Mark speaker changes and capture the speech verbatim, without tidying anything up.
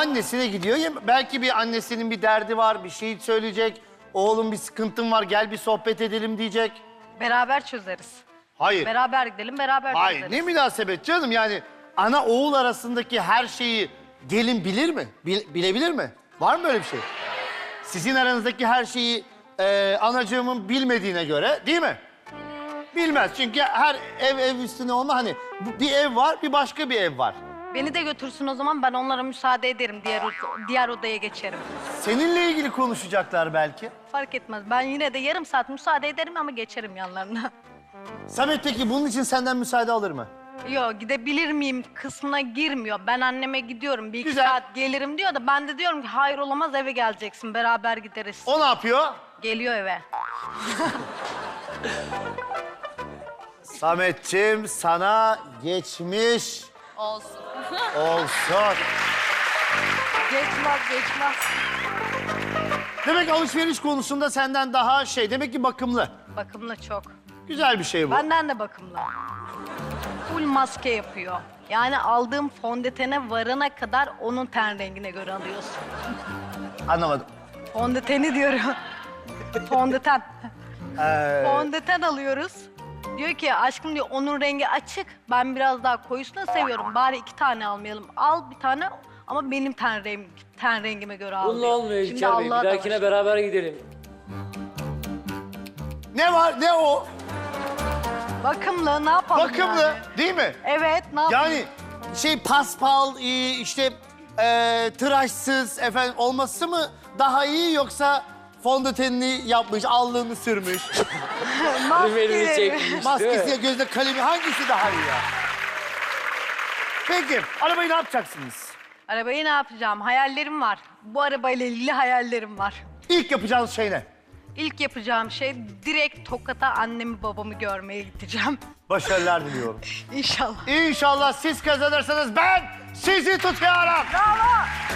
Speaker 1: annesine gidiyor. Ya belki bir annesinin bir derdi var, bir şey söyleyecek. Oğlum bir sıkıntın var, gel bir sohbet edelim diyecek.
Speaker 2: Beraber çözeriz.
Speaker 1: Hayır.
Speaker 2: Beraber gidelim, beraber
Speaker 1: Hayır,
Speaker 2: çözeriz.
Speaker 1: ne münasebet canım yani. Ana oğul arasındaki her şeyi gelin bilir mi? Bil- bilebilir mi? Var mı böyle bir şey? Sizin aranızdaki her şeyi e, anacığımın bilmediğine göre değil mi? Bilmez çünkü her ev ev üstüne olma hani bu- bir ev var bir başka bir ev var.
Speaker 2: Beni de götürsün o zaman, ben onlara müsaade ederim. Diğer, od- diğer odaya geçerim.
Speaker 1: Seninle ilgili konuşacaklar belki.
Speaker 2: Fark etmez. Ben yine de yarım saat müsaade ederim ama geçerim yanlarına.
Speaker 1: Samet peki bunun için senden müsaade alır mı?
Speaker 2: Yok, gidebilir miyim kısmına girmiyor. Ben anneme gidiyorum, bir iki
Speaker 1: Güzel.
Speaker 2: saat gelirim diyor da ben de diyorum ki hayır olamaz, eve geleceksin, beraber gideriz.
Speaker 1: O ne yapıyor?
Speaker 2: Geliyor eve.
Speaker 1: Sametciğim sana geçmiş
Speaker 3: Olsun.
Speaker 1: olsun.
Speaker 2: Geçmez, geçmez.
Speaker 1: Demek alışveriş konusunda senden daha şey, demek ki bakımlı.
Speaker 2: Bakımlı çok.
Speaker 1: Güzel bir şey bu.
Speaker 2: Benden de bakımlı. Full maske yapıyor. Yani aldığım fondötene varana kadar onun ten rengine göre alıyorsun.
Speaker 1: Anlamadım.
Speaker 2: Fondöteni diyorum. Fondöten.
Speaker 1: Ee,
Speaker 2: Fondöten alıyoruz. Diyor ki aşkım diyor onun rengi açık. Ben biraz daha koyusunu seviyorum. Bari iki tane almayalım. Al bir tane ama benim ten, rengim, ten rengime göre al
Speaker 4: Bununla
Speaker 2: diyor.
Speaker 4: olmuyor
Speaker 2: Şimdi
Speaker 4: İlker Bey. Bir
Speaker 2: Allah'a da
Speaker 4: dahakine
Speaker 2: var.
Speaker 4: beraber gidelim.
Speaker 1: ne var ne o?
Speaker 2: Bakımlı ne yapalım
Speaker 1: Bakımlı
Speaker 2: yani?
Speaker 1: değil mi?
Speaker 2: Evet ne yapalım?
Speaker 1: Yani şey paspal e, işte e, tıraşsız efendim olması mı daha iyi yoksa fondötenini yapmış, allığını sürmüş,
Speaker 4: Benim elimi
Speaker 2: Maske.
Speaker 4: çekmiş değil mi?
Speaker 1: maskesiyle gözde kalemi hangisi daha iyi ya? Peki arabayı ne yapacaksınız?
Speaker 2: Arabayı ne yapacağım? Hayallerim var. Bu arabayla ilgili hayallerim var.
Speaker 1: İlk yapacağınız şey ne?
Speaker 2: İlk yapacağım şey direkt Tokat'a annemi babamı görmeye gideceğim.
Speaker 1: Başarılar diliyorum.
Speaker 2: İnşallah.
Speaker 1: İnşallah siz kazanırsanız ben sizi tutuyorum.
Speaker 2: Bravo.